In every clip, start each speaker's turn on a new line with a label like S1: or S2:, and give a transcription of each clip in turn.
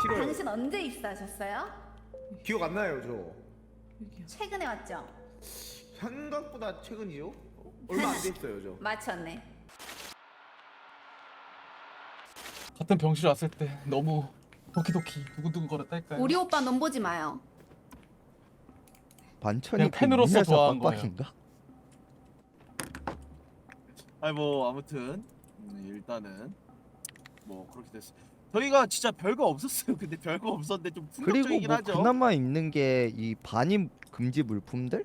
S1: 싫어요.
S2: 당신 언제 입사하셨어요?
S1: 기억 안 나요, 저.
S2: 최근에 왔죠?
S1: 생각보다 최근이요? 얼마 안 됐어요, 저.
S2: 맞췄네.
S3: 같은 병실 왔을 때 너무 도키도키 두근두근거렸달까요?
S2: 우리 오빠 넌 보지 마요.
S4: 반천이
S3: 그냥 팬으로서 좋아한 거예요.
S4: 빡빡인가?
S5: 아니 뭐 아무튼 일단은 뭐 그렇게 됐어. 저희가 진짜 별거 없었어요. 근데 별거 없었는데 좀
S4: 그리고
S5: 풍격적이긴
S4: 뭐
S5: 하죠.
S4: 그나마 있는 게 이 반입 금지 물품들?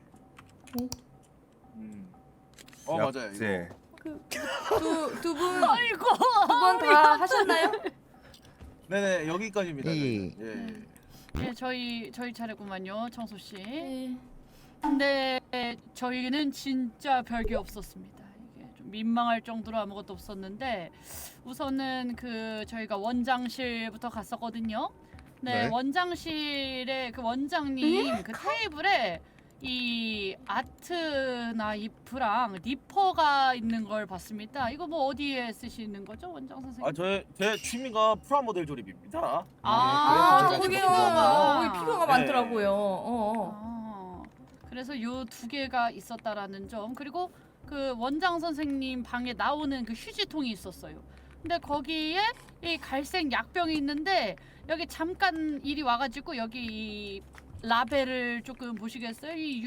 S5: 맞아요.
S1: 네.
S6: 두 분 다 하셨나요?
S5: 네네 여기까지입니다.
S4: 이-
S5: 예.
S7: 예, 저희 차례구만요, 청소 씨.
S6: 네.
S7: 근데 저희는 진짜 별게 없었습니다. 이게 좀 민망할 정도로 아무것도 없었는데 우선은 그 저희가 원장실부터 갔었거든요. 네,
S1: 네.
S7: 원장실에 그 원장님 그 테이블에 이 아트 나이프랑 니퍼가 있는 걸 봤습니다. 이거 뭐 어디에 쓰시는 거죠, 원장 선생님?
S5: 제 취미가 프라모델 조립입니다.
S6: 아,
S5: 그래서
S6: 거기요.
S5: 제가
S6: 거기 필요가
S5: 네.
S6: 많더라고요.
S7: 그래서 요 두 개가 있었다라는 점, 그리고 그 원장 선생님 방에 나오는 그 휴지통이 있었어요. 근데 거기에 이 갈색 약병이 있는데 여기 잠깐 이리 와가지고 여기 이 라벨을 조금 보시겠어요? 이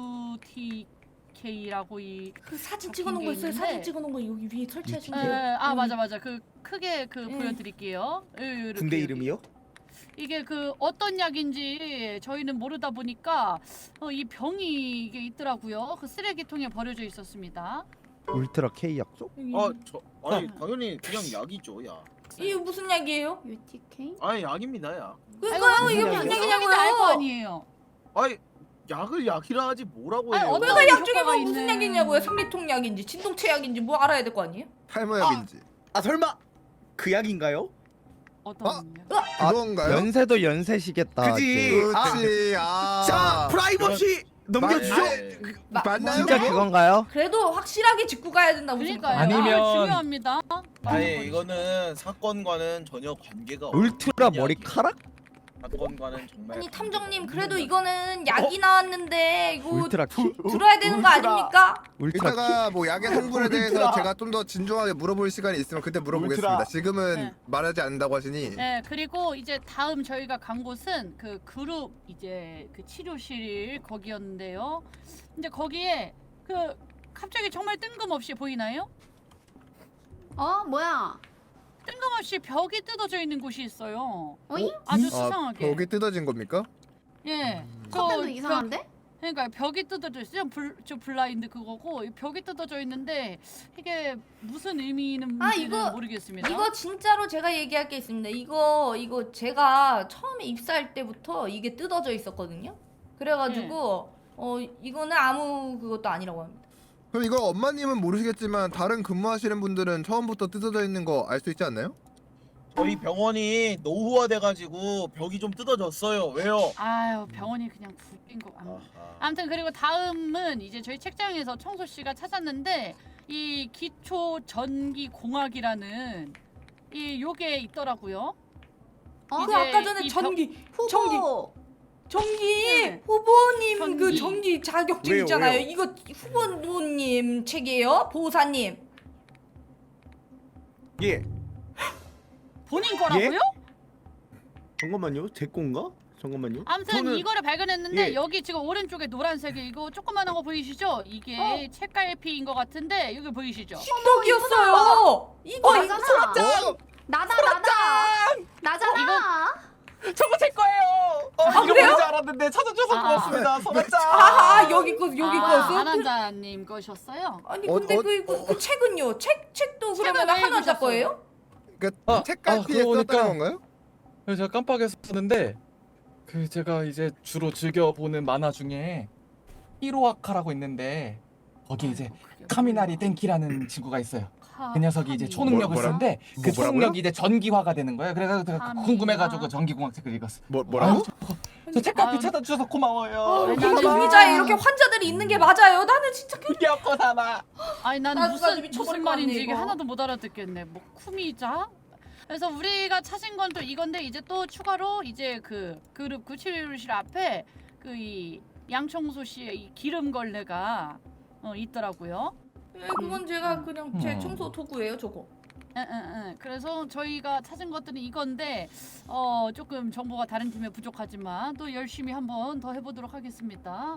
S7: UTK라고 이
S6: 그 사진
S7: 적힌
S6: 찍어놓은
S7: 게
S6: 거 있어요.
S7: 있는데.
S6: 사진 찍어놓은 거 여기 위에 설치하신
S7: 예,
S6: 거.
S7: 맞아. 그 크게 그
S6: 예.
S7: 보여드릴게요. 이렇게
S1: 군대
S7: 여기.
S1: 이름이요?
S7: 이게 그 어떤 약인지 저희는 모르다 보니까 이 병이 이게 있더라고요. 그 쓰레기통에 버려져 있었습니다.
S4: 울트라 K 약속?
S5: 아니 당연히 그냥 약이죠, 약.
S6: 이게 무슨 약이에요?
S2: UTK?
S5: 아니 약입니다, 약.
S6: 그러니까요. 이게 무슨
S7: 알거
S6: 약이냐고요?
S7: 아니에요.
S5: 아니 약을 약이라 하지 뭐라고 해요.
S7: 아니, 어떤
S6: 그러니까 약 중에
S7: 효과가
S6: 뭐 무슨
S7: 있는-
S6: 약이냐고요? 생리통 약인지 진동체 약인지 뭐 알아야 될 거 아니에요?
S8: 탈모약인지.
S1: 아, 설마 그 약인가요?
S7: 어떤
S8: 아?
S7: 약?
S8: 그건가요?
S4: 연세도 연세시겠다.
S1: 그지.
S4: 이제.
S8: 그렇지. 아.
S1: 자, 프라이버시 넘겨주죠.
S5: 네.
S8: 맞나요?
S4: 진짜 그건가요?
S6: 그래도 확실하게 짚고 가야 된다고
S7: 그러니까요.
S6: 생각해요.
S3: 아니면-
S7: 중요합니다.
S5: 아니 이거는 사건과는 전혀 관계가
S4: 울트라
S5: 없는
S4: 머리카락?
S5: 이야기예요. 사건과는 정말
S6: 아니 탐정님
S5: 관계가
S6: 그래도
S5: 없는
S6: 이거는 약이 나왔는데 이거
S4: 울트라 K?
S6: 들어야 되는 거 아닙니까?
S4: 울트라 K?
S8: 이따가 뭐 약의 성분에 대해서 제가 좀 더 진중하게 물어볼 시간이 있으면 그때 물어보겠습니다.
S1: 울트라.
S8: 지금은
S7: 네.
S8: 말하지 않는다고 하시니.
S7: 네, 그리고 이제 다음 저희가 간 곳은 그 그룹 이제 그 치료실 거기였는데요. 근데 거기에 그 갑자기 정말 뜬금없이 보이나요?
S2: 뭐야?
S7: 뜬금없이 벽이 뜯어져 있는 곳이 있어요.
S2: 어이?
S7: 아주
S8: 아,
S7: 수상하게.
S8: 벽이 뜯어진 겁니까?
S7: 예.
S2: 커튼도 이상한데?
S7: 그러니까 벽이 뜯어져 있어요. 저 블라인드 그거고 이 벽이 뜯어져 있는데 이게 무슨 의미는 모르겠습니다.
S6: 이거 진짜로 제가 얘기할 게 있습니다. 이거 제가 처음에 입사할 때부터 이게 뜯어져 있었거든요. 그래가지고 이거는 아무 그것도 아니라고 합니다.
S8: 그럼 이거 엄마님은 모르시겠지만 다른 근무하시는 분들은 처음부터 뜯어져 있는 거 알 수 있지 않나요?
S5: 저희 병원이 노후화돼가지고 벽이 좀 뜯어졌어요. 왜요?
S7: 아유 병원이 그냥 굴린 거. 아무튼 그리고 다음은 이제 저희 책장에서 청소 씨가 찾았는데 이 기초 전기 공학이라는 이 요게 있더라고요.
S6: 그
S7: 이제
S6: 아까 전에
S7: 이
S2: 후보.
S6: 전기
S7: 네.
S6: 후보님
S7: 전기.
S6: 그 전기 자격증
S1: 왜요,
S6: 있잖아요.
S1: 왜요?
S6: 이거 후보님 책이에요? 보호사님.
S1: 예.
S7: 본인 거라고요?
S1: 잠깐만요. 제 건가? 잠깐만요.
S7: 아무튼
S1: 저는-
S7: 이거를 발견했는데
S1: 예.
S7: 여기 지금 오른쪽에 노란색이 이거 조그만한 거 보이시죠? 이게 책갈피인 것 같은데 여기 보이시죠?
S6: 신덕이었어요. 이거
S2: 나잖아. 나잖아.
S3: 저거 제 거예요.
S6: 그래요?
S3: 잃어버리지 않았는데 찾아줘서 고맙습니다. 소가짱.
S6: 여기 거 거였어?
S7: 안한자님 거셨어요?
S6: 아니
S8: 어,
S6: 근데
S8: 어,
S6: 그 책은요? 책도
S7: 책은
S6: 그러면
S7: 왜
S6: 한원자
S7: 읽으셨어요?
S6: 거예요?
S8: 그러니까 책갈피에
S3: 그러고
S8: 썼다는
S3: 보니까-
S8: 건가요?
S3: 제가 깜빡했었는데 그 제가 이제 주로 즐겨 보는 만화 중에 히로아카라고 있는데 거기 이제 카미나리 땡키라는 친구가 있어요. 그 녀석이 이제 초능력을
S8: 뭐라?
S3: 쓰는데 그
S8: 뭐라고요?
S3: 초능력이 이제 전기화가 되는 거예요. 그래서 제가
S7: 카미나.
S3: 궁금해가지고 전기공학책을 읽었어요.
S8: 뭐라고?
S3: 저 책갈피
S7: 아유.
S3: 찾아주셔서 고마워요.
S7: 아니,
S6: 근데
S7: 나는-
S6: 의자에 이렇게 환자들이 있는 게 맞아요? 나는 진짜
S3: 귀엽고 사나.
S7: 아니 난
S6: 나도
S7: 무슨
S6: 미쳐버릴 것
S7: 말인지
S6: 같네,
S7: 이게
S6: 이거.
S7: 하나도 못 알아듣겠네. 뭐 쿠미자? 그래서 우리가 찾은 건 또 이건데 이제 또 추가로 이제 그 그룹 97실 앞에 그 이 양청소 씨의 이 기름 걸레가 있더라고요.
S6: 예, 그건 제가 그냥 제
S3: 음.
S6: 청소 도구예요, 저거.
S7: 그래서 저희가 찾은 것들은 이건데 조금 정보가 다른 팀에 부족하지만 또 열심히 한번 더 해보도록 하겠습니다.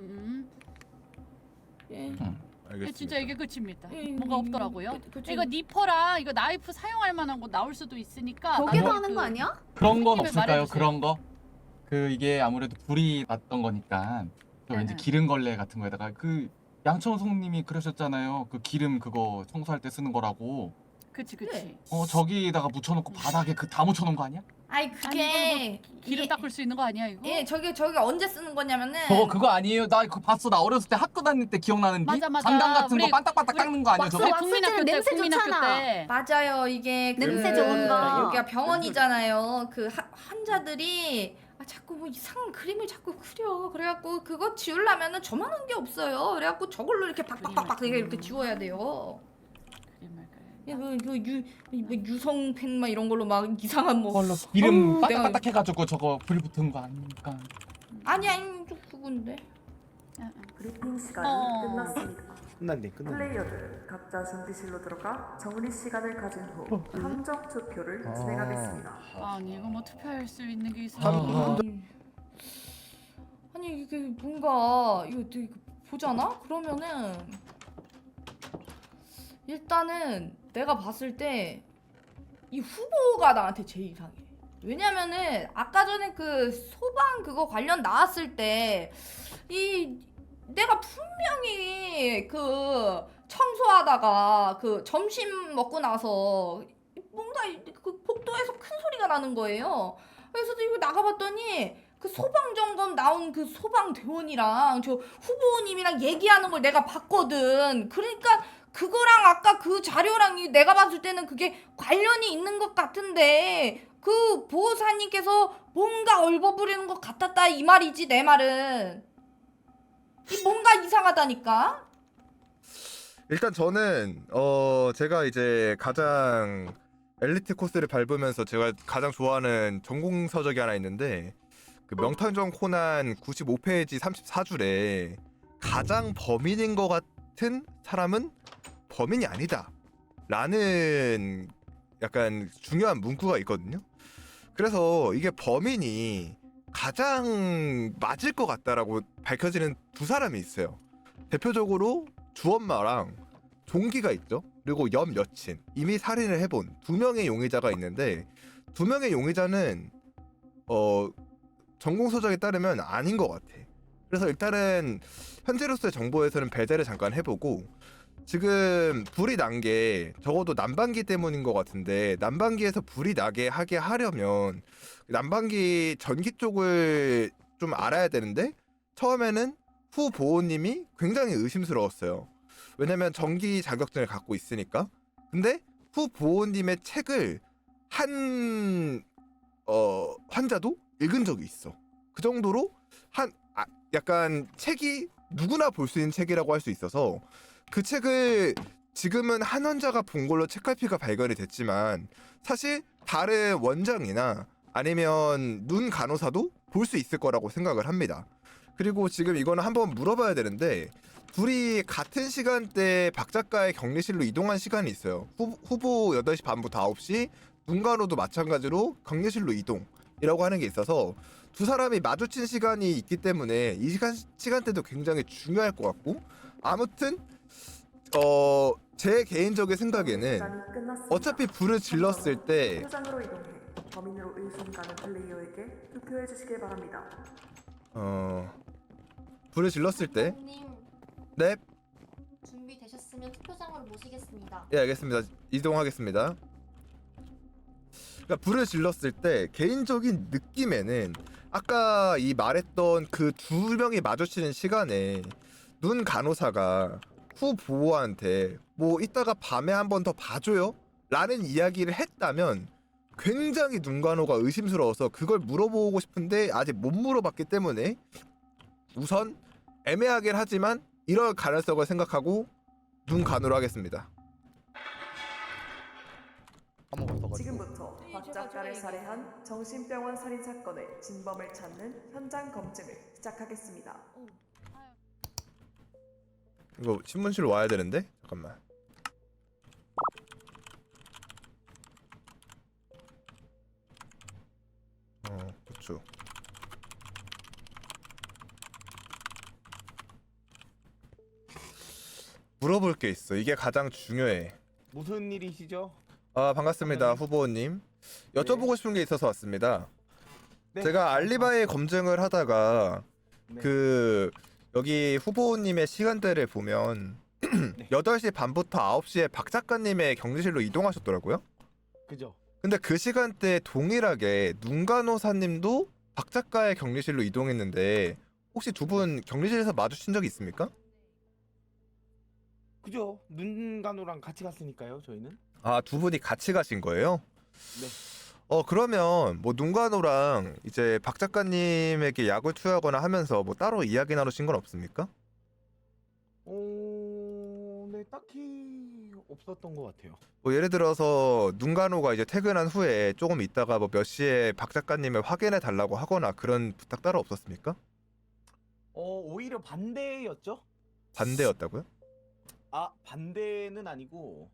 S6: 예.
S8: 알겠습니다.
S7: 진짜 이게 끝입니다.
S6: 예,
S7: 뭔가 없더라고요.
S6: 그쵸.
S7: 이거 니퍼랑 이거 나이프 사용할 만한 거 나올 수도 있으니까
S2: 거기서
S7: 나도
S2: 하는 거 아니야?
S3: 그런 건
S7: 선생님이
S3: 없을까요?
S7: 말해주세요.
S3: 그런 거? 그 이게 아무래도 불이 났던 거니까 또 왠지
S7: 응.
S3: 기름 걸레 같은 거에다가 그 양청송님이 그러셨잖아요. 그 기름 그거 청소할 때 쓰는 거라고.
S7: 그치.
S3: 저기다가 묻혀놓고 바닥에 그 다 묻혀놓은 거 아니야?
S6: 아이 그게
S7: 기름 닦을 수 있는 거 아니야 이거?
S6: 예, 저기 언제 쓰는 거냐면은
S3: 그거 아니에요. 나 그거 봤어. 나 어렸을 때 학교 다닐 때 기억나는데.
S7: 맞아, 맞아.
S3: 장단 같은 거
S7: 우리-
S3: 반딱반딱 닦는 거 아니야
S7: 우리
S3: 저거?
S7: 국민학교 때
S2: 냄새
S7: 국민학교
S2: 좋잖아.
S7: 때
S6: 맞아요. 이게
S2: 냄새 좋은 거.
S6: 여기가 병원이잖아요. 그 환자들이 자꾸 뭐 이상한 그림을 자꾸 그려. 그래갖고 그거 지우려면은 저만한 게 없어요. 그래갖고 저걸로 이렇게 박박박박 이렇게 지워야 돼요. 유성펜 막 이런 걸로 막 이상한 뭐
S3: 그걸로 기름
S6: 내가-
S3: 반딱반딱 해가지고 저거 불 붙은 거 아닙니까?
S6: 아니 저 그건데.
S9: 브리핑 시간이 끝났습니다.
S1: 끝났네.
S9: 플레이어들 각자 준비실로 들어가 정리 시간을 가진 후 함정 투표를 진행하겠습니다.
S7: 아니 이거 뭐 투표할 수 있는 게 있어?
S6: 아니 이게 뭔가 이거 보잖아? 그러면은 일단은 내가 봤을 때 이 후보가 나한테 제일 이상해. 왜냐면은 아까 전에 그 소방 그거 관련 나왔을 때 이 내가 분명히 그 청소하다가 그 점심 먹고 나서 뭔가 그 복도에서 큰 소리가 나는 거예요. 그래서 이거 나가봤더니 그 소방 점검 나온 그 소방대원이랑 저 후보님이랑 얘기하는 걸 내가 봤거든. 그러니까 그거랑 아까 그 자료랑 내가 봤을 때는 그게 관련이 있는 것 같은데 그 보호사님께서 뭔가 얼버무리는 것 같았다 이 말이지 내 말은. 이 뭔가 이상하다니까.
S8: 일단 저는 제가 이제 가장 엘리트 코스를 밟으면서 제가 가장 좋아하는 전공 서적이 하나 있는데 그 명탐정 코난 95페이지 34줄에 가장 범인인 것 같은 사람은 범인이 아니다 라는 약간 중요한 문구가 있거든요. 그래서 이게 범인이 가장 맞을 것 같다라고 밝혀지는 두 사람이 있어요. 대표적으로 주엄마랑 종기가 있죠. 그리고 옆 여친, 이미 살인을 해본 두 명의 용의자가 있는데 두 명의 용의자는 전공서적에 따르면 아닌 것 같아. 그래서 일단은 현재로서의 정보에서는 배제를 잠깐 해보고 지금 불이 난 게 적어도 난방기 때문인 것 같은데 난방기에서 불이 나게 하게 하려면 난방기 전기 쪽을 좀 알아야 되는데 처음에는 후 보호님이 굉장히 의심스러웠어요. 왜냐면 전기 자격증을 갖고 있으니까. 근데 후 보호님의 책을 한 환자도 읽은 적이 있어. 그 정도로 약간 책이 누구나 볼 수 있는 책이라고 할 수 있어서 그 책을 지금은 한 환자가 본 걸로 책갈피가 발견이 됐지만 사실 다른 원장이나 아니면 눈 간호사도 볼 수 있을 거라고 생각을 합니다. 그리고 지금 이거는 한번 물어봐야 되는데 둘이 같은 시간대에 박 작가의 격리실로 이동한 시간이 있어요. 후보 8시 반부터 9시, 눈 간호도 마찬가지로 격리실로 이동이라고 하는 게 있어서 두 사람이 마주친 시간이 있기 때문에 이 시간대도 굉장히 중요할 것 같고 아무튼 제 개인적인 생각에는
S9: 시간이 끝났습니다.
S8: 어차피 불을 질렀을 때
S9: 투표장으로 이동해 범인으로 의심 가는 플레이어에게 투표해 주시길 바랍니다.
S8: 불을 질렀을 때
S10: 님
S8: 네,
S10: 준비되셨으면 투표장으로 모시겠습니다.
S8: 예 알겠습니다. 이동하겠습니다. 그러니까 불을 질렀을 때 개인적인 느낌에는 아까 이 말했던 그 두 명이 마주치는 시간에 눈 간호사가 후 보호한테 뭐 이따가 밤에 한 번 더 봐줘요? 라는 이야기를 했다면 굉장히 눈 간호가 의심스러워서 그걸 물어보고 싶은데 아직 못 물어봤기 때문에 우선 애매하긴 하지만 이럴 가능성을 생각하고 눈 간호를 하겠습니다.
S4: 까먹었어.
S9: 지금부터
S6: 네,
S9: 박
S6: 제가
S9: 작가를
S6: 얘기해요.
S9: 살해한 정신병원 살인 사건의 진범을 찾는 현장 검증을 시작하겠습니다.
S8: 이거 신문실로 와야 되는데? 잠깐만. 그쵸. 물어볼 게 있어. 이게 가장 중요해.
S1: 무슨 일이시죠?
S8: 아, 반갑습니다, 후보님. 여쭤보고 싶은 게 있어서 왔습니다.
S1: 네.
S8: 제가 알리바이 검증을 하다가
S1: 네.
S8: 그 여기 후보님의 시간대를 보면
S1: 네.
S8: 8시 반부터 9시에 박 작가님의 격리실로 이동하셨더라고요.
S1: 그죠?
S8: 근데 그 시간대에 동일하게 눈간호사님도 박 작가의 격리실로 이동했는데 혹시 두 분 격리실에서 마주친 적이 있습니까?
S1: 그죠? 눈간호랑 같이 갔으니까요, 저희는.
S8: 아, 두 분이 같이 가신 거예요?
S1: 네.
S8: 그러면 뭐 눈간호랑 이제 박 작가님에게 약을 투여하거나 하면서 뭐 따로 이야기 나누신 건 없습니까?
S1: 네, 딱히 없었던 것 같아요.
S8: 뭐 예를 들어서 눈간호가 이제 퇴근한 후에 조금 있다가 뭐 몇 시에 박 작가님을 확인해 달라고 하거나 그런 부탁 따로 없었습니까?
S1: 오히려 반대였죠?
S8: 반대였다고요?
S1: 아, 반대는 아니고,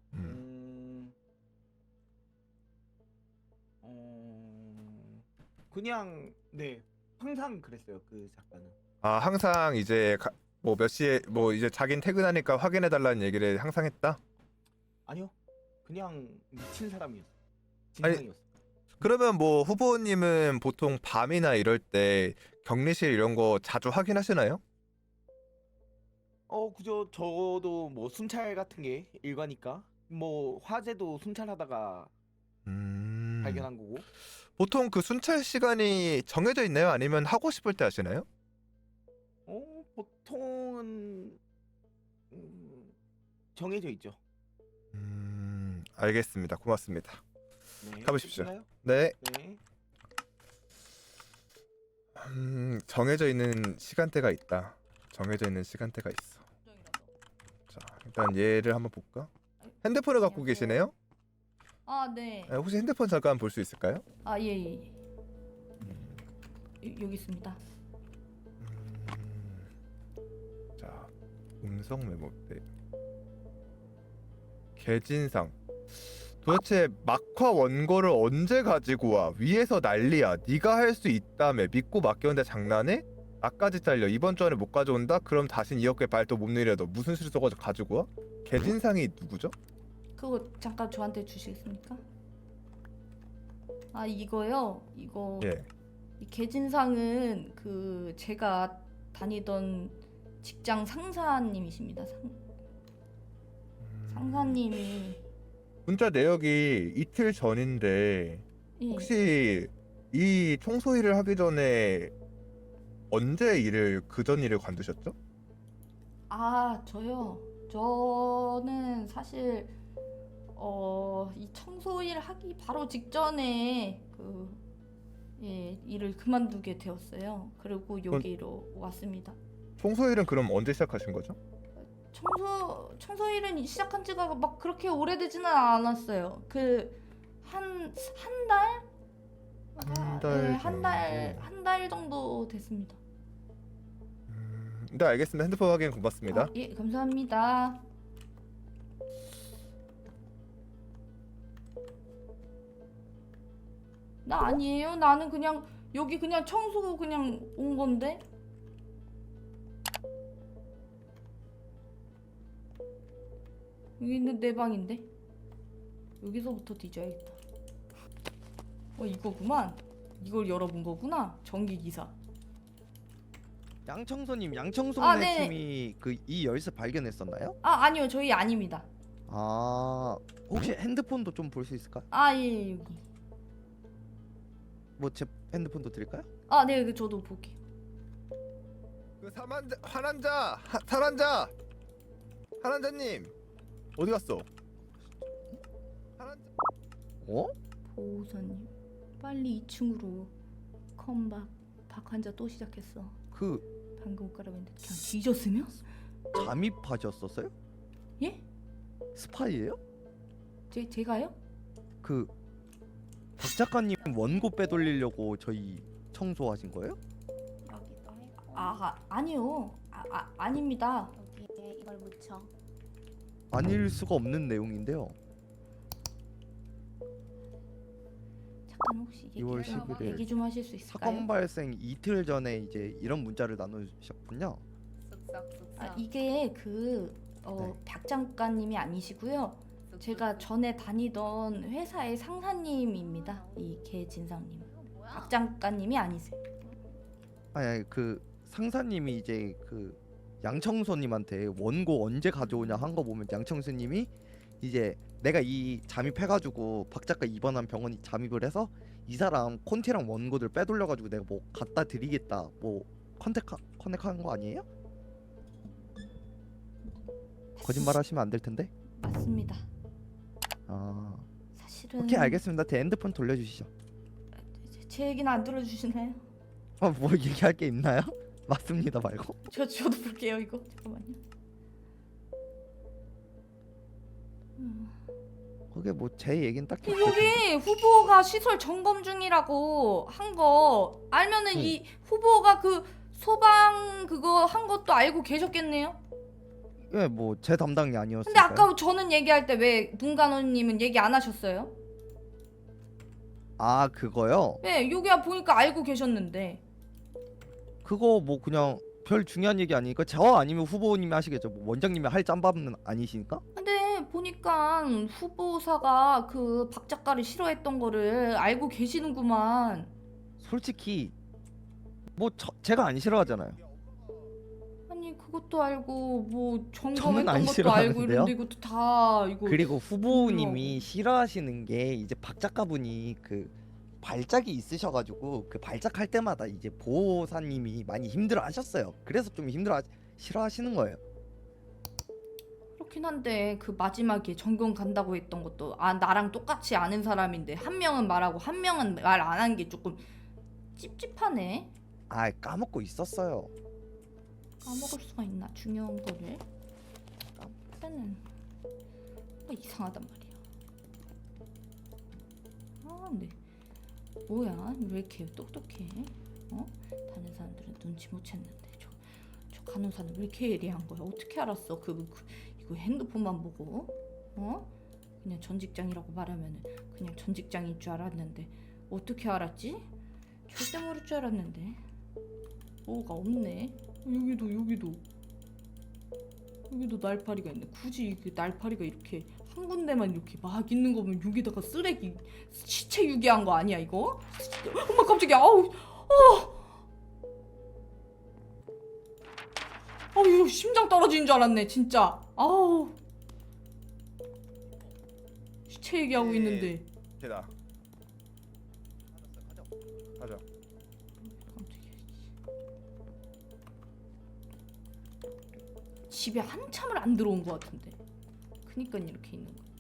S1: 그냥, 네, 항상 그랬어요, 그 작가는.
S8: 아, 항상 이제 뭐 몇 시에 뭐 이제 자긴 퇴근하니까 확인해 달라는 얘기를 항상 했다?
S1: 아니요, 그냥 미친 사람이었어.
S8: 아니,
S1: 진상이었어.
S8: 그러면 뭐 후보님은 보통 밤이나 이럴 때 격리실 이런 거 자주 확인하시나요?
S1: 그죠. 저도 뭐 순찰 같은 게 일과니까. 뭐 화재도 순찰하다가 발견한 거고.
S8: 보통 그 순찰 시간이 정해져 있나요? 아니면 하고 싶을 때 하시나요?
S1: 보통은 정해져 있죠.
S8: 알겠습니다. 고맙습니다.
S1: 네.
S8: 가보십시오.
S1: 끝나요?
S8: 네.
S1: 네.
S8: 정해져 있는 시간대가 있다. 정해져 있는 시간대가 있어. 자, 일단 얘를 한번 볼까? 핸드폰을 갖고 계시네요?
S6: 아, 네.
S8: 혹시 핸드폰 잠깐 볼 수 있을까요?
S6: 아, 예. 여기 있습니다.
S8: 자, 음성 메모대. 개진상. 도대체 막화 원고를 언제 가지고 와? 위에서 난리야. 네가 할 수 있다며. 믿고 맡겼는데 장난해? 나까지 잘려. 이번 주 안에 못 가져온다? 그럼 다신 이어깨 발도 못 내려. 너 무슨 수를 써가지고 가지고 와? 개진상이 누구죠?
S6: 그거 잠깐 저한테 주시겠습니까? 아, 이거요? 이거
S8: 예.
S6: 이 개진상은 그 제가 다니던 직장 상사님이십니다. 상사님이.
S8: 문자 내역이 이틀 전인데
S6: 예.
S8: 혹시 이 청소 일을 하기 전에 언제 일을 그 전 일을 관두셨죠?
S6: 아, 저요. 저는 사실 이 청소일 하기 바로 직전에 일을 그만두게 되었어요. 그리고 여기로 왔습니다.
S8: 청소 일은 그럼 언제 시작하신 거죠?
S6: 청소일은 시작한 지가 막 그렇게 오래되지는 않았어요. 한 달? 한 달 정도 됐습니다.
S8: 네, 알겠습니다. 핸드폰 확인 고맙습니다.
S6: 예, 감사합니다. 나 아니에요. 나는 그냥 여기 그냥 청소 그냥 온 건데. 여기는 내 방인데. 여기서부터 뒤져야겠다. 이거구만. 이걸 열어본 거구나. 전기 기사.
S4: 양청소님, 양청소네
S6: 아, 네.
S4: 팀이 그 이 열쇠 발견했었나요?
S6: 아, 아니요. 저희 아닙니다.
S4: 아, 혹시 핸드폰도 좀 볼 수 있을까?
S6: 아, 예, 여기.
S4: 뭐 제 핸드폰도 드릴까요?
S6: 아, 네. 저도 볼게요.
S8: 그 한환자님 어디 갔어? 한환자.
S6: 보호사님, 빨리 2층으로. 컴박. 박환자 또 시작했어. 방금 옷 갈아입는데 그냥 뒤졌으면?
S4: 잠입하셨었어요?
S6: 예?
S4: 스파이예요?
S6: 제가요?
S4: 그 박 작가님 원고 빼돌리려고 저희 청소하신 거예요?
S10: 여기도 해고
S6: 아니요. 아닙니다.
S10: 여기에 이걸 묻혀.
S4: 아닐 수가 없는 내용인데요.
S6: 잠깐 혹시
S4: 2월 11일
S6: 얘기 좀 하실 수 있을까요?
S4: 사건 발생 이틀 전에 이제 이런 문자를 나누셨군요.
S6: 이게
S4: 네.
S6: 박 작가님이 아니시고요. 제가 전에 다니던 회사의 상사님입니다. 이 개진상님. 박 작가님이 아니세요.
S4: 아니 그 상사님이 이제 그 양청소님한테 원고 언제 가져오냐 한 거 보면 양청소님이 이제 내가 이 잠입해가지고 박 작가 입원한 병원이 잠입을 해서 이 사람 콘티랑 원고들 빼돌려가지고 내가 뭐 갖다 드리겠다 뭐 커넥한 거 아니에요? 거짓말 하시면 안 될 텐데.
S6: 맞습니다.
S4: 아
S6: 사실은
S4: 오케이 알겠습니다. 제 핸드폰 돌려주시죠.
S6: 제 얘기는 안 들어주시나요?
S4: 뭐 얘기할 게 있나요? 맞습니다 말고.
S6: 저도 볼게요 이거. 잠깐만요.
S4: 그게 뭐 제 얘기는 딱히
S6: 여기 후보가 시설 점검 중이라고 한 거 알면은
S4: 응.
S6: 이 후보가 그 소방 그거 한 것도 알고 계셨겠네요.
S4: 예, 뭐 제 담당이 아니었어요.
S6: 근데 아까 저는 얘기할 때 왜 문간호님은 얘기 안 하셨어요?
S4: 아 그거요?
S6: 네, 여기 보니까 알고 계셨는데.
S4: 그거 뭐 그냥 별 중요한 얘기 아니니까 저 아니면 후보님이 하시겠죠. 뭐 원장님이 할 짬밥은 아니시니까.
S6: 근데 보니까 후보사가 그 박 작가를 싫어했던 거를 알고 계시는구만.
S4: 솔직히 뭐 제가 안 싫어하잖아요.
S6: 아니 그것도 알고 뭐
S4: 저는
S6: 점검했던
S4: 안
S6: 것도 알고
S4: 싫어하는데요?
S6: 이런데 이것도 다 이거.
S4: 그리고 후보님이 싫어하시는 게 이제 박 작가분이 그 발작이 있으셔가지고 그 발작할 때마다 이제 보호사님이 많이 힘들어하셨어요. 그래서 좀 싫어하시는 거예요.
S6: 그렇긴 한데 그 마지막에 전경 간다고 했던 것도 나랑 똑같이 아는 사람인데 한 명은 말하고 한 명은 말 안 한 게 조금 찝찝하네.
S4: 아 까먹고 있었어요.
S6: 까먹을 수가 있나 중요한 거를. 까먹으면은 뭔가 이상하단 말이야. 근데 뭐야 왜 이렇게 똑똑해? 다른 사람들은 눈치 못 챘는데 저 간호사는 왜 이렇게 예리한 거야? 어떻게 알았어? 이거 핸드폰만 보고 그냥 전 직장이라고 말하면은 그냥 전 직장인 줄 알았는데 어떻게 알았지? 절대 모를 줄 알았는데 뭐가 없네. 여기도 날파리가 있네. 굳이 그 날파리가 이렇게 한 군데만 이렇게 막 있는 거 보면 여기다가 쓰레기 시체 유기한 거 아니야 이거? 엄마 깜짝이야. 이거 심장 떨어지는 줄 알았네 진짜. 시체 얘기하고 있는데.
S8: 걔다. 가자.
S6: 집에 한참을 안 들어온 것 같은데. 그니까 이렇게 있는 거.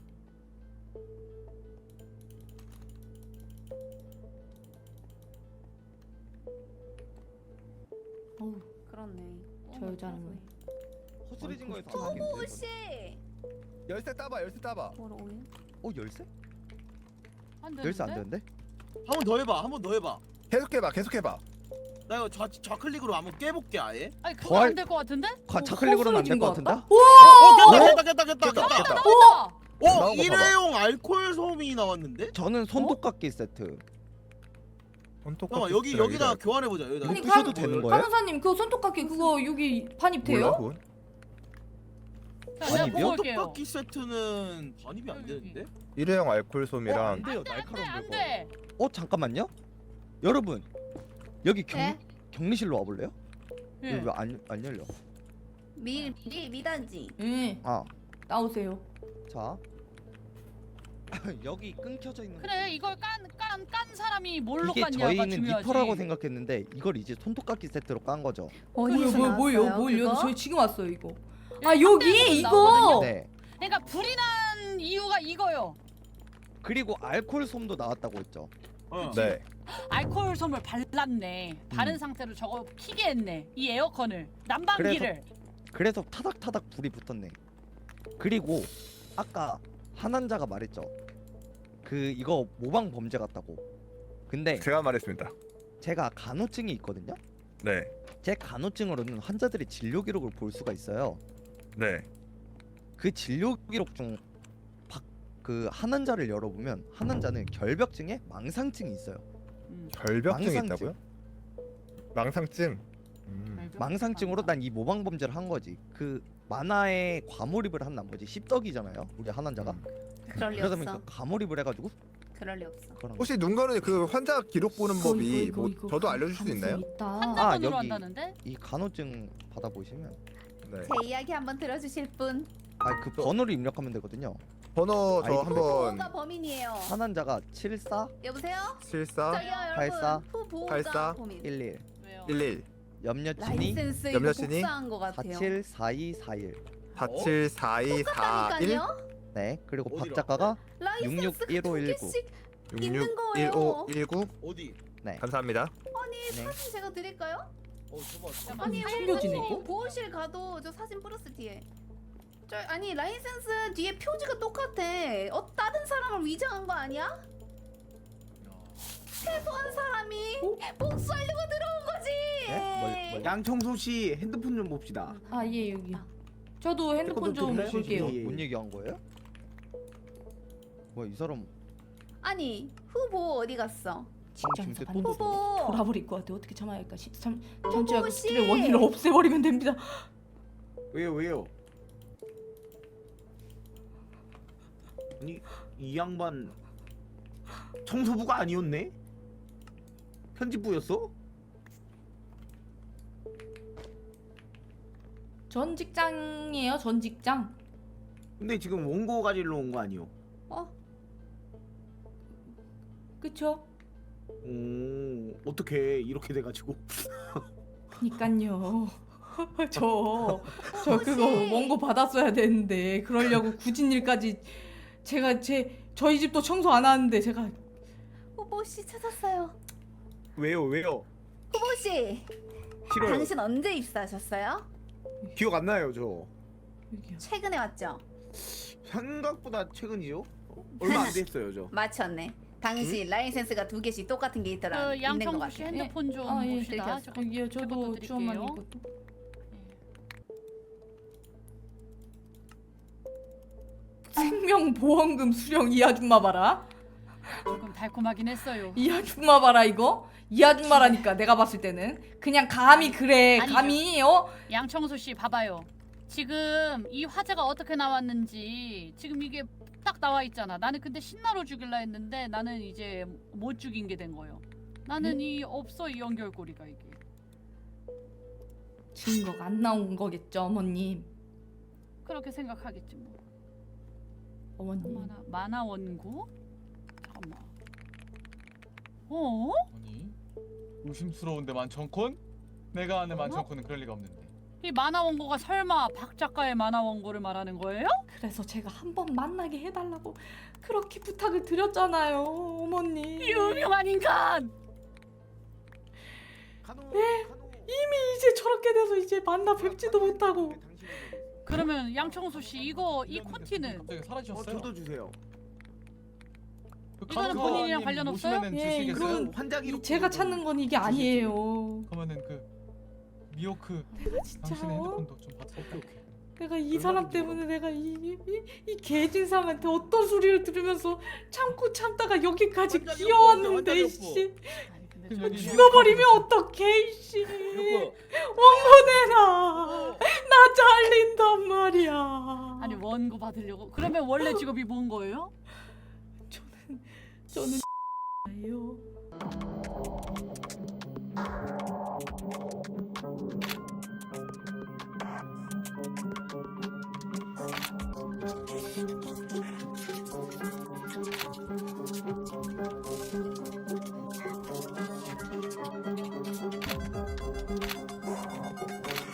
S2: 그렇네.
S6: 저 여자는 왜?
S4: 허술해진 거에
S2: 호보 씨.
S8: 열쇠 따봐.
S2: 뭐로 오일?
S4: 열쇠?
S7: 안
S4: 열쇠 안
S7: 되는데?
S4: 되는데?
S5: 한 번 더 해봐. 한 번 더 해봐.
S8: 계속해봐.
S5: 나 이거 좌클릭으로 한번 깨볼게 아예.
S7: 아니 그거
S4: 더할-
S7: 안 될 것 같은데?
S4: 좌클릭으로는 안 될
S6: 허술해진
S4: 것
S6: 것
S4: 같은데?
S5: 깼다.
S8: 깼다.
S7: 나왔다.
S8: 나온 거
S5: 일회용 알코올 솜이 나왔는데?
S4: 저는 손톱깎이 세트.
S5: 잠깐만 여기다 교환해보자. 여기다.
S6: 아니,
S4: 부셔도 되는 거예요?
S6: 간호사님 그거 손톱깎이 그거 여기 반입 돼요?
S8: 몰라,
S7: 자, 내가
S4: 아니,
S7: 보고 올게요.
S5: 떡볶이 세트는 반입이 안 되는데?
S8: 일회용 알코올 솜이랑
S4: 안 돼요. 날카로운
S7: 안
S4: 거.
S7: 돼.
S4: 잠깐만요. 여러분 여기
S2: 네?
S4: 격리실로 와볼래요?
S7: 예.
S4: 왜 안 열려?
S2: 미단지.
S6: 예. 나오세요.
S4: 자 여기 끊겨져 있는
S7: 그래 이걸 깐 사람이 뭘로
S4: 이게
S7: 깠냐가
S4: 저희는
S7: 중요하지.
S4: 니퍼라고 생각했는데 이걸 이제 손톱깎이 세트로 깐 거죠.
S6: 뭐요? 저희 지금 왔어요 이거.
S7: 여기
S6: 여기 이거.
S4: 네.
S7: 그러니까 불이 난 이유가 이거요.
S4: 그리고 알코올 솜도 나왔다고 했죠.
S8: 네.
S7: 알코올 솜을 발랐네. 다른 상태로 저거 키게 했네. 이 에어컨을 난방기를.
S4: 그래서 타닥타닥 불이 붙었네. 그리고 아까 한 환자가 말했죠. 그 이거 모방 범죄 같다고. 근데
S8: 제가 말했습니다.
S4: 제가 간호증이 있거든요.
S8: 네.
S4: 제 간호증으로는 환자들의 진료 기록을 볼 수가 있어요.
S8: 네.
S4: 그 진료 기록 중 그 한 환자를 열어보면 한 환자는 결벽증에 망상증이 있어요.
S8: 결벽증이
S4: 망상증.
S8: 있다고요? 망상증.
S4: 망상증으로 난 이 모방 범죄를 한 거지. 그 만화에 과몰입을 한 나머지 씹덕이잖아요. 우리 한 환자가.
S2: 그럴 리
S4: 그러다
S2: 없어.
S4: 보니까 과몰입을 해가지고
S2: 그럴 리 없어.
S4: 그런 거.
S8: 혹시 눈가는 그 환자 기록 보는 법이 뭐 저도 알려줄 수 있나요?
S7: 환자분으로
S4: 여기.
S7: 한다는데?
S4: 이 간호증 받아보시면
S8: 네.
S2: 제 이야기 한번 들어주실 분.
S4: 그 번호를 입력하면 되거든요.
S8: 번호 저
S4: 아이디.
S8: 한번
S2: 후보가 범인이에요.
S4: 한 환자가 74
S2: 여보세요?
S8: 74
S2: 저기요 여러분.
S4: 84,
S2: 후보가
S8: 84,
S2: 범인.
S4: 11
S7: 왜요?
S8: 11
S4: 염려친이
S2: 라이센스 이거
S8: 염려신이
S2: 복사한 거 같아요.
S4: 474241
S8: 474241
S2: 똑같다니까요?
S4: 네 그리고 박
S1: 어디로?
S4: 작가가
S2: 라이센스가
S4: 661519.
S2: 2개씩 있는 거예요.
S8: 661519
S1: 어디?
S4: 네.
S8: 감사합니다.
S4: 네.
S2: 사진 제가 드릴까요?
S1: 줘봐.
S2: 아니
S6: 숨겨지네,
S2: 원장님
S6: 이거?
S2: 보호실 가도 저 사진 플러스 뒤에 아니 라이센스 뒤에 표지가 똑같아. 다른 사람을 위장한 거 아니야? 최소한 사람이 복수하려고 들어온 거지.
S4: 네? 뭘?
S1: 양청소 씨 핸드폰 좀 봅시다.
S6: 아 예 여기. 저도 핸드폰 좀
S1: 핸드폰 좀
S6: 볼게요.
S1: 예.
S4: 뭔 얘기한 거예요? 뭐야 이 사람
S2: 아니 후보 어디 갔어?
S6: 직장에서
S4: 지금
S6: 받는
S4: 또
S2: 후보
S6: 돌아버릴 것 같아. 어떻게 참아야 할까? 잠시만
S2: 후보
S6: 그
S2: 씨!
S6: 스트레스 원인을 없애버리면 됩니다.
S1: 왜요? 아니 이 양반 청소부가 아니었네? 편집부였어?
S6: 전 직장이에요. 전 직장.
S1: 근데 지금 원고 가지러 온 거 아니요?
S6: 그쵸?
S1: 어떻게 이렇게 돼가지고
S6: 그니깐요. 저 그거 원고 받았어야 되는데 그러려고 굳은 일까지 저희 집도 청소 안 하는데 제가
S2: 후보 씨 찾았어요.
S1: 왜요?
S2: 후보 씨
S1: 싫어요.
S2: 당신 언제 입사하셨어요?
S1: 기억 안 나요 저.
S6: 여기요.
S2: 최근에 왔죠?
S1: 생각보다 최근이죠? 얼마 안 됐어요 저.
S2: 맞췄네. 당신 라이센스가 2개씩 똑같은 게 있더라.
S7: 그
S2: 있는 것
S7: 양청수
S2: 같아.
S7: 씨 핸드폰 좀
S6: 아, 예,
S7: 봅시다.
S2: 들켰어.
S7: 잠깐
S6: 여기요. 저도
S7: 제것도
S6: 주원만
S7: 드릴게요.
S6: 이것도. 생명보험금 수령 이 아줌마 봐라.
S7: 조금 달콤하긴 했어요.
S6: 이 아줌마 봐라 이거. 이 아줌마라니까 내가 봤을 때는 그냥 감히 그래.
S7: 아니죠.
S6: 감히
S7: 양청수 씨 봐봐요. 지금 이 화제가 어떻게 나왔는지 지금 이게 딱 나와 있잖아. 나는 근데 신나로 죽일라 했는데 나는 이제 못 죽인 게 된 거예요. 나는 이 없어 이 연결고리가 이게.
S6: 증거가 안 나온 거겠죠 어머님.
S7: 그렇게 생각하겠지 뭐.
S6: 어머님.
S7: 만화 원고? 잠깐만. 어?
S3: 아니 의심스러운데 만천콘? 내가 아는 만천콘은 그럴 리가 없는데.
S7: 이 만화 원고가 설마 박 작가의 만화 원고를 말하는 거예요?
S6: 그래서 제가 한번 만나게 해달라고 그렇게 부탁을 드렸잖아요 어머님.
S7: 이 유명한 인간!
S6: 이미 이제 저렇게 돼서 이제 만나 뵙지도 못하고.
S7: 그러면 양청수 씨 이거 이 콘티는
S3: 갑자기 사라지셨어요.
S1: 저도 주세요.
S3: 그
S7: 이거는
S3: 간호사님
S7: 본인이랑 관련 없어요?
S3: 오시면은
S6: 예,
S3: 주시겠어요?
S6: 이건
S1: 환자 기록
S6: 제가 찾는 건 이게 아니에요.
S3: 그러면은 그 미호크
S6: 내가 진짜
S3: 당신의 핸드폰도 좀 받을게요.
S6: 내가 이 사람 때문에 내가 이 개진상한테 어떤 소리를 들으면서 참고 참다가 여기까지
S1: 환자
S6: 기어왔는데
S1: 기록,
S6: 씨.
S7: 아니 근데
S3: 그럼
S7: 저
S3: 여기
S6: 죽어버리면 어떡해 씨. 원고 내놔. 나 잘린단 말이야.
S7: 아니 원고 받으려고 그러면 원래 직업이 뭔 거예요?
S6: 저는 예요.